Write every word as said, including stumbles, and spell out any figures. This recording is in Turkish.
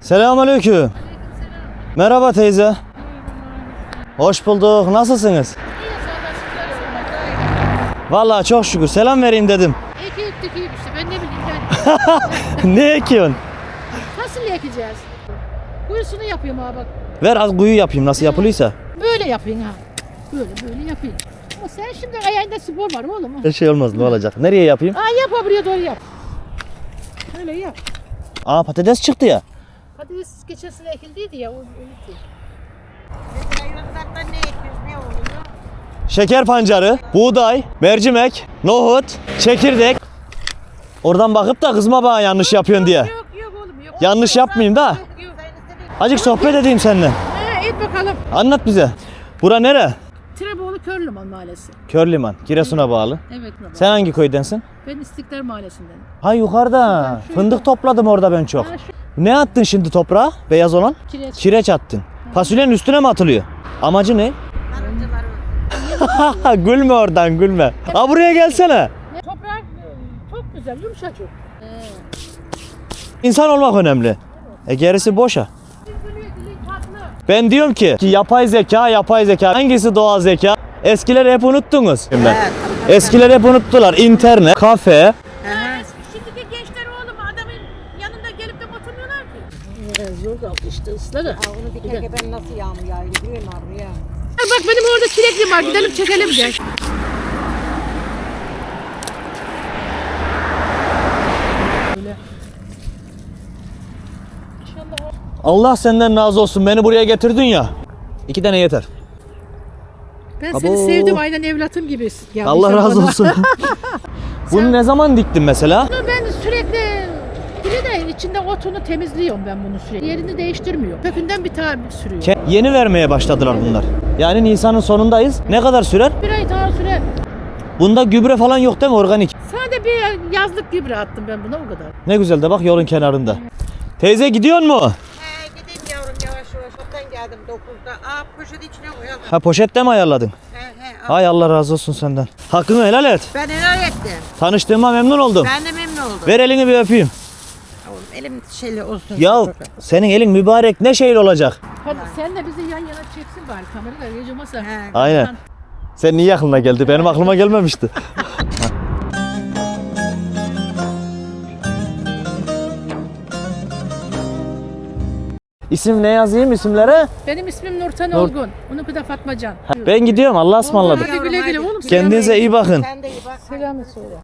Selamünaleyküm. Merhaba teyze. Hoş bulduk. Nasılsınız? Vallahi çok şükür. Selam vereyim dedim. Eki ektik iyi işte. Ben ne bileyim ben. Ne ekiyorsun? Fasulye ekeceğiz. Kuyusunu yapıyorum ha bak. Ver az kuyu yapayım nasıl yapılıysa. Böyle yapayım ha. Böyle böyle yapayım. Ama sen şimdi ayağında spor var oğlum. Her şey olmaz ne olacak? Nereye yapayım? Aa yap ha, buraya doğru yap. Öyle yap. Aa patates çıktı ya. Patates geçen sene ekildiydi ya. O öyle Hayvanlardan ne ekiyoruz, ne oluyor? Şeker pancarı, buğday, mercimek, nohut, çekirdek. Oradan bakıp da kızma bana yanlış yapıyorsun diye. Yok yok oğlum yok. Yanlış yapmayayım da. Yok yok. Azıcık sohbet edeyim seninle. Ha, et bakalım. Anlat bize. Bura nere? Treboğlu Körlüman Mahallesi. Körliman, Giresun'a bağlı. Evet. Sen hangi köydensin? Ben İstiklal Mahallesi'ndenim. Ha yukarıda. Fındık topladım orada ben çok. Ha, şu Ne attın şimdi toprağa? Beyaz olan? kireç. Kireç attın. Fasulyenin üstüne mi atılıyor? Amacı ne? Karıncalar öldü. Gülme oradan gülme. Ha buraya gelsene. Toprak çok güzel, yumuşacık. Ee, İnsan olmak önemli. E gerisi boşa. gülüyor, gülüyor, tatlı. Ben diyorum ki, ki yapay zeka, yapay zeka. Hangisi doğal zeka? Eskileri hep unuttunuz. Ben. Evet. Eskileri hep unuttular. İnternet, kafe. Şimdiki gençler oğlum adamın yanında gelip de oturmuyorlar ki. Zor kaldı işte ısları. Aa, onu dikerken ben nasıl yağmur yağıyor biliyor musun abi ya? Bak benim orada çilekli var, gidelim çekelim gel. Allah senden razı olsun. Beni buraya getirdin ya. İki tane yeter. Ben Abo. seni sevdim aynen evlatım gibi. Ya, Allah inşallah razı bana- olsun. Bunu ne zaman diktin mesela? Bunu ben sürekli biri de içinde otunu temizliyorum ben bunu sürekli. Yerini değiştirmiyorum. Kökünden bir tane sürüyor. Ke- Yeni vermeye başladılar bunlar. Yani Nisan'ın sonundayız. Ne kadar sürer? Bir ay daha süre. Bunda gübre falan yok değil mi? Organik. Sadece bir yazlık gübre attım ben buna o kadar. Ne güzel de bak yolun kenarında. Teyze gidiyor mu? He gideyim yavrum yavaş yavaş. Çoktan geldim dokuzda. Aa poşet içine koyalım. Ha poşette mi ayarladın? He he. al. Hay Allah razı olsun senden. Hakkını helal et. Ben helal ettim. Tanıştığıma memnun oldum. Ben de memnun oldum. Ver elini bir öpeyim. Oğlum elim şeyle olsun. Ya senin elin mübarek ne şeyle olacak? Hadi sen de bizi yan yana çeksin bari kamerayla yiyeceğimse. He. Aynen. Sen niye aklına geldi? Benim aklıma gelmemişti. İsim ne yazayım isimlere? Benim ismim Nurten Nur- Olgun. Onunki de Fatmacan. Ben gidiyorum. Allah'a ısmarladık. Hadi güle güle oğlum. Kendinize iyi bakın. Sen de iyi bak. Selam söyle.